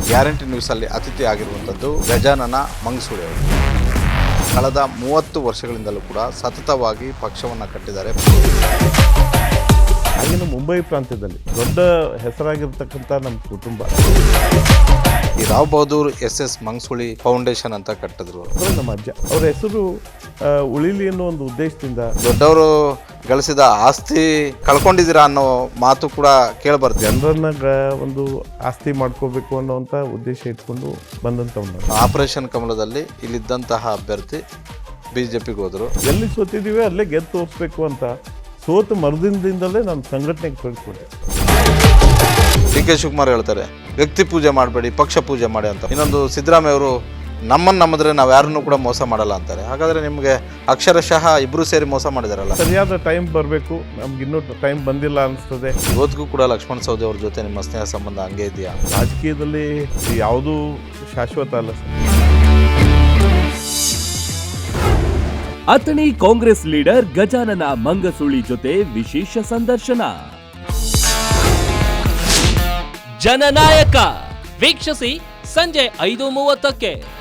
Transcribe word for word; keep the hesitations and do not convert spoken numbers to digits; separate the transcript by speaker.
Speaker 1: Guarantee ನ್ಯೂಸಲ್ಲಿ ಅತಿಥಿ ಆಗಿರುವಂಥದ್ದು ಗಜಾನನ ಮಂಗಸೂಳಿ ಅವರು. ಕಳೆದ ಮೂವತ್ತು ವರ್ಷಗಳಿಂದಲೂ ಕೂಡ ಸತತವಾಗಿ ಪಕ್ಷವನ್ನು ಕಟ್ಟಿದ್ದಾರೆ.
Speaker 2: ಆಗಿನ ಮುಂಬೈ ಪ್ರಾಂತ್ಯದಲ್ಲಿ ದೊಡ್ಡ ಹೆಸರಾಗಿರ್ತಕ್ಕಂಥ ನಮ್ಮ ಕುಟುಂಬ
Speaker 1: ಈ Rao Bahadur S S Mangasuli foundation ಅಂತ ಕಟ್ಟಿದ್ರು.
Speaker 2: ಅವರು ನಮ್ಮ ಅಜ್ಜ, ಅವ್ರ ಹೆಸರು ಉಳಿಲಿ ಅನ್ನೋ ಒಂದು ಉದ್ದೇಶದಿಂದ.
Speaker 1: ದೊಡ್ಡವರು ಗಳಿಸಿದ ಆಸ್ತಿ ಕಳ್ಕೊಂಡಿದ್ದೀರಾ ಅನ್ನೋ ಮಾತು ಕೂಡ ಕೇಳಬಾರ್ದು.
Speaker 2: ಜನರನ್ನ ಒಂದು ಆಸ್ತಿ ಮಾಡ್ಕೋಬೇಕು ಅನ್ನೋವಂಥ ಉದ್ದೇಶ ಇಟ್ಕೊಂಡು ಬಂದಂಥವ್ರು.
Speaker 1: ಆಪರೇಷನ್ ಕಮಲದಲ್ಲಿ ಇಲ್ಲಿದ್ದಂತಹ ಅಭ್ಯರ್ಥಿ ಬಿಜೆಪಿಗೆ ಹೋದರು.
Speaker 2: ಎಲ್ಲಿ ಸೋತಿದ್ದೀವಿ ಅಲ್ಲೇ ಗೆದ್ದು ತೋರಿಸ್ಬೇಕು ಅಂತ ಸೋತು ಮರುದಿನದಿಂದಲೇ ನಾನು ಸಂಘಟನೆಗೆ ತೊಡಗಿಕೊಂಡೆ.
Speaker 1: ಡಿ ಕೆ ಶಿವಕುಮಾರ್ ಹೇಳ್ತಾರೆ ವ್ಯಕ್ತಿ ಪೂಜೆ ಮಾಡಬೇಡಿ, ಪಕ್ಷ ಪೂಜೆ ಮಾಡಿ ಅಂತ. ಇನ್ನೊಂದು ಸಿದ್ದರಾಮಯ್ಯ ಅವರು ನಮ್ಮನ್ನು ನಂಬಿದ್ರೆ ನಾವು ಯಾರನ್ನೂ ಕೂಡ ಮೋಸ ಮಾಡಲ್ಲ ಅಂತಾರೆ. ಹಾಗಾದರೆ ನಿಮಗೆ ಅಕ್ಷರಶಃ ಇಬ್ಬರು ಸೇರಿ ಮೋಸ ಮಾಡಿದಾರಲ್ಲ.
Speaker 2: ಸರಿಯಾದ ಟೈಮ್ ಬರಬೇಕು, ನಮ್ಗೆ ಇನ್ನೂ ಟೈಮ್ ಬಂದಿಲ್ಲ ಅನಿಸ್ತದೆ.
Speaker 1: ಇವತ್ತಿಗೂ ಕೂಡ ಲಕ್ಷ್ಮಣ ಸವದಿ ಅವ್ರ ಜೊತೆ ನಿಮ್ಮ ಸ್ನೇಹ ಸಂಬಂಧ ಹಂಗೆ ಇದೆಯಾ?
Speaker 2: ರಾಜಕೀಯದಲ್ಲಿ ಯಾವುದೂ ಶಾಶ್ವತ ಅಲ್ಲ ಸರ್.
Speaker 3: ಅಥಣಿ ಕಾಂಗ್ರೆಸ್ ಲೀಡರ್ ಗಜಾನನ ಮಂಗಸೂಳಿ ಜೊತೆ ವಿಶೇಷ ಸಂದರ್ಶನ.
Speaker 4: ಜನನಾಯಕ ವೀಕ್ಷಿಸಿ ಸಂಜೆ ಐದು ಮೂವತ್ತಕ್ಕೆ.